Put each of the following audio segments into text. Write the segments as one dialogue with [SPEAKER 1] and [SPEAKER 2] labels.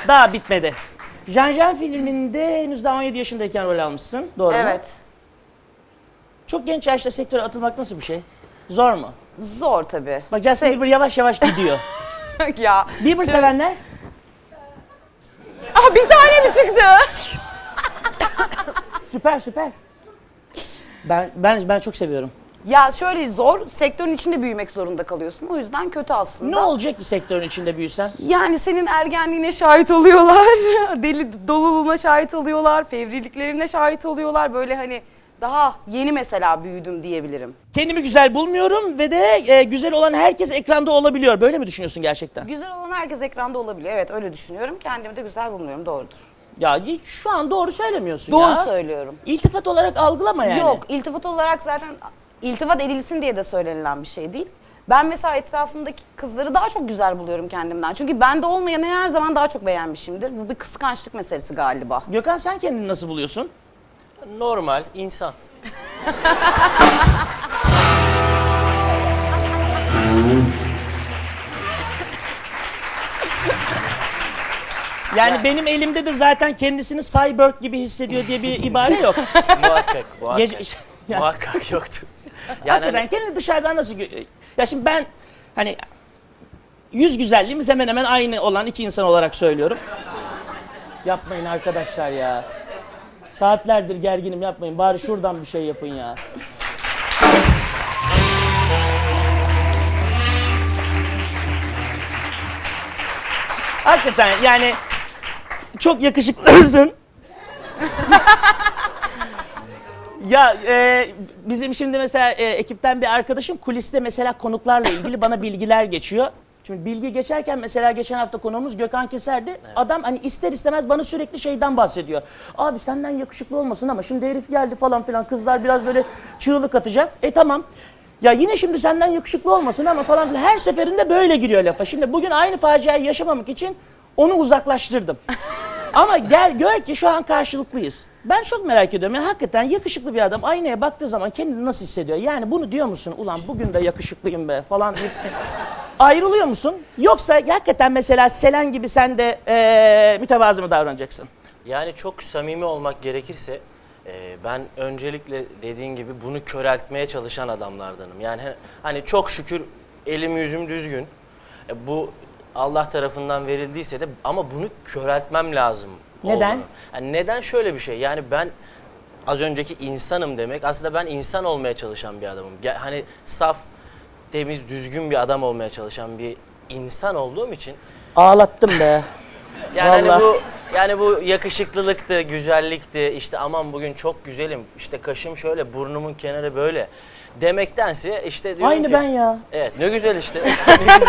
[SPEAKER 1] Daha bitmedi. Jean filminde henüz daha 17 yaşındayken rol almışsın. Doğru mu?
[SPEAKER 2] Evet.
[SPEAKER 1] Çok genç yaşta sektöre atılmak nasıl bir şey? Zor mu?
[SPEAKER 2] Zor tabii.
[SPEAKER 1] Bak Justin Bieber yavaş yavaş gidiyor.
[SPEAKER 2] Ya.
[SPEAKER 1] Bieber sevenler?
[SPEAKER 2] Aa, bir tane mi çıktı?
[SPEAKER 1] Süper süper. Ben çok seviyorum.
[SPEAKER 2] Ya şöyle zor, sektörün içinde büyümek zorunda kalıyorsun. O yüzden kötü aslında.
[SPEAKER 1] Ne olacak ki sektörün içinde büyüsen?
[SPEAKER 2] Yani senin ergenliğine şahit oluyorlar, deli doluluğuna şahit oluyorlar, fevriliklerine şahit oluyorlar. Böyle hani daha yeni mesela büyüdüm diyebilirim.
[SPEAKER 1] Kendimi güzel bulmuyorum ve de güzel olan herkes ekranda olabiliyor. Böyle mi düşünüyorsun gerçekten?
[SPEAKER 2] Güzel olan herkes ekranda olabiliyor. Evet, öyle düşünüyorum. Kendimi de güzel bulmuyorum, doğrudur.
[SPEAKER 1] Ya şu an doğru söylemiyorsun
[SPEAKER 2] Doğru
[SPEAKER 1] ya.
[SPEAKER 2] söylüyorum.
[SPEAKER 1] İltifat olarak algılama yani.
[SPEAKER 2] Yok, iltifat olarak zaten iltifat edilsin diye de söylenilen bir şey değil. Ben mesela etrafımdaki kızları daha çok güzel buluyorum kendimden. Çünkü bende olmayanı her zaman daha çok beğenmişimdir. Bu bir kıskançlık meselesi galiba.
[SPEAKER 1] Gökhan sen kendini nasıl buluyorsun?
[SPEAKER 3] Normal insan.
[SPEAKER 1] Yani benim elimde de zaten kendisini cyborg gibi hissediyor diye bir ibare yok.
[SPEAKER 3] Muhakkak, muhakkak.
[SPEAKER 1] Gece- Ya,
[SPEAKER 3] Muhakkak yoktu. Yani
[SPEAKER 1] hakikaten
[SPEAKER 3] hani,
[SPEAKER 1] kendini dışarıdan nasıl... Ya şimdi ben hani yüz güzelliğimiz hemen hemen aynı olan iki insan olarak söylüyorum. Yapmayın arkadaşlar ya. Saatlerdir gerginim, yapmayın. Bari şuradan bir şey yapın ya. Hakikaten yani çok yakışıklısın. Ya bizim şimdi mesela ekipten bir arkadaşım kuliste mesela konuklarla ilgili bana bilgiler geçiyor. Şimdi bilgi geçerken mesela geçen hafta konuğumuz Gökhan Keser'di. Evet. Adam hani ister istemez bana sürekli şeyden bahsediyor. Abi senden yakışıklı olmasın ama şimdi herif geldi falan filan, kızlar biraz böyle çığlık atacak. Tamam. Ya yine şimdi senden yakışıklı olmasın ama falan filan. Her seferinde böyle giriyor lafa. Şimdi bugün aynı faciayı yaşamamak için onu uzaklaştırdım. Ama gel gör ki şu an karşılıklıyız. Ben çok merak ediyorum. Yani hakikaten yakışıklı bir adam aynaya baktığı zaman kendini nasıl hissediyor? Yani bunu diyor musun? Ulan bugün de yakışıklıyım be falan deyip ayrılıyor musun? Yoksa hakikaten mesela Selen gibi sen de mütevazı mı davranacaksın?
[SPEAKER 3] yani çok samimi olmak gerekirse ben öncelikle dediğin gibi bunu köreltmeye çalışan adamlardanım. Yani hani çok şükür elim yüzüm düzgün. Bu Allah tarafından verildiyse de ama bunu köreltmem lazım.
[SPEAKER 1] Neden?
[SPEAKER 3] olduğunu. Yani neden şöyle bir şey? Yani ben az önceki insanım demek aslında ben insan olmaya çalışan bir adamım. Hani saf, temiz, düzgün bir adam olmaya çalışan bir insan olduğum için
[SPEAKER 1] Ağlattım be.
[SPEAKER 3] yani
[SPEAKER 1] Vallahi.
[SPEAKER 3] yani bu yakışıklılıktı, güzellikti, işte aman bugün çok güzelim, işte kaşım şöyle, burnumun kenarı böyle demektense işte diyorum
[SPEAKER 1] Aynı
[SPEAKER 3] ki,
[SPEAKER 1] ben ya.
[SPEAKER 3] Evet, ne güzel işte. Ne güzel.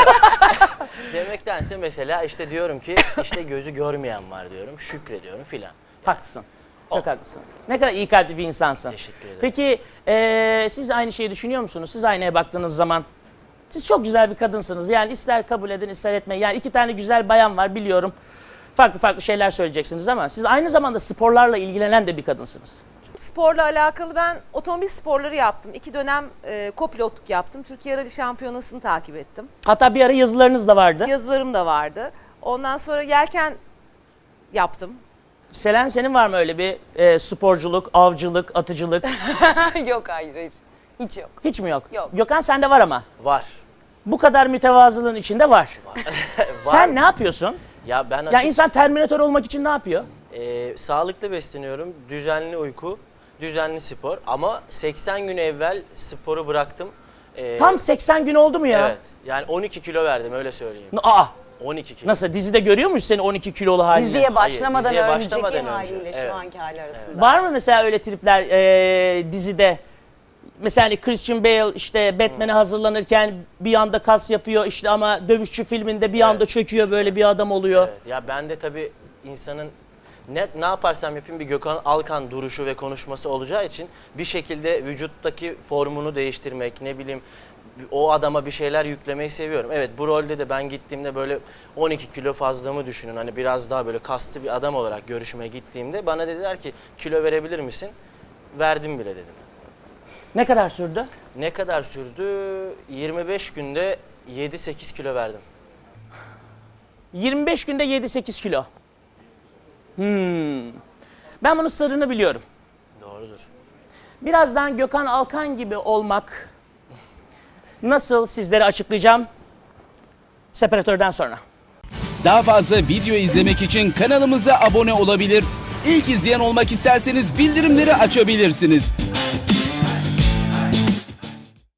[SPEAKER 3] Demektense mesela işte diyorum ki işte gözü görmeyen var diyorum, şükrediyorum filan.
[SPEAKER 1] Haklısın. Çok haklısın. Ne kadar iyi kalpli bir insansın.
[SPEAKER 3] Teşekkür ederim.
[SPEAKER 1] Peki siz aynı şeyi düşünüyor musunuz? Siz aynaya baktığınız zaman siz çok güzel bir kadınsınız. Yani ister kabul edin ister etmeyin. Yani iki tane güzel bayan var biliyorum. Farklı farklı şeyler söyleyeceksiniz ama siz aynı zamanda sporlarla ilgilenen de bir kadınsınız.
[SPEAKER 4] Sporla alakalı ben otomobil sporları yaptım. 2 dönem kopilotluk yaptım. Türkiye Rally Şampiyonası'nı takip ettim.
[SPEAKER 1] Hatta bir ara yazılarınız da vardı.
[SPEAKER 4] Yazılarım da vardı. Ondan sonra yelken yaptım.
[SPEAKER 1] Selen senin var mı öyle bir sporculuk, avcılık, atıcılık?
[SPEAKER 2] Yok, hayır. Hiç yok.
[SPEAKER 1] Hiç mi yok?
[SPEAKER 2] Yok.
[SPEAKER 1] Gökhan sende var ama.
[SPEAKER 3] Var.
[SPEAKER 1] Bu kadar mütevazılığın içinde var.
[SPEAKER 3] Var.
[SPEAKER 1] Sen ne yapıyorsun?
[SPEAKER 3] Ya ben
[SPEAKER 1] Ya insan Terminator olmak için ne yapıyor?
[SPEAKER 3] sağlıklı besleniyorum, düzenli uyku, düzenli spor ama 80 gün evvel sporu bıraktım.
[SPEAKER 1] Tam 80 gün oldu mu ya?
[SPEAKER 3] Evet, yani 12 kilo verdim öyle söyleyeyim.
[SPEAKER 1] Aa,
[SPEAKER 3] 12 kilo.
[SPEAKER 1] nasıl? Dizide görüyor muyuz seni 12 kilolu halini?
[SPEAKER 2] Diziye başlamadan
[SPEAKER 3] diziye
[SPEAKER 2] önceki
[SPEAKER 3] başlamadan önce.
[SPEAKER 2] haliyle
[SPEAKER 3] Evet.
[SPEAKER 2] şu anki hali arasında.
[SPEAKER 1] Var mı mesela öyle tripler dizide? Mesela hani Christian Bale işte Batman'e hazırlanırken bir anda kas yapıyor işte ama Dövüşçü filminde bir anda çöküyor böyle bir adam oluyor.
[SPEAKER 3] Evet, ya ben de tabii insanın ne yaparsam yapayım bir Gökhan Alkan duruşu ve konuşması olacağı için bir şekilde vücuttaki formunu değiştirmek, ne bileyim o adama bir şeyler yüklemeyi seviyorum. Evet, bu rolde de ben gittiğimde böyle 12 kilo fazlamı düşünün. Hani biraz daha böyle kaslı bir adam olarak görüşmeye gittiğimde bana dediler ki kilo verebilir misin? Verdim bile dedim.
[SPEAKER 1] Ne kadar sürdü?
[SPEAKER 3] Ne kadar sürdü? 25 günde 7-8 kilo verdim.
[SPEAKER 1] 25 günde 7-8 kilo. Ben bunun sırrını biliyorum.
[SPEAKER 3] Doğrudur.
[SPEAKER 1] Birazdan Gökhan Alkan gibi olmak nasıl sizlere açıklayacağım. Separatörden sonra.
[SPEAKER 5] Daha fazla video izlemek için kanalımıza abone olabilir. İlk izleyen olmak isterseniz bildirimleri açabilirsiniz.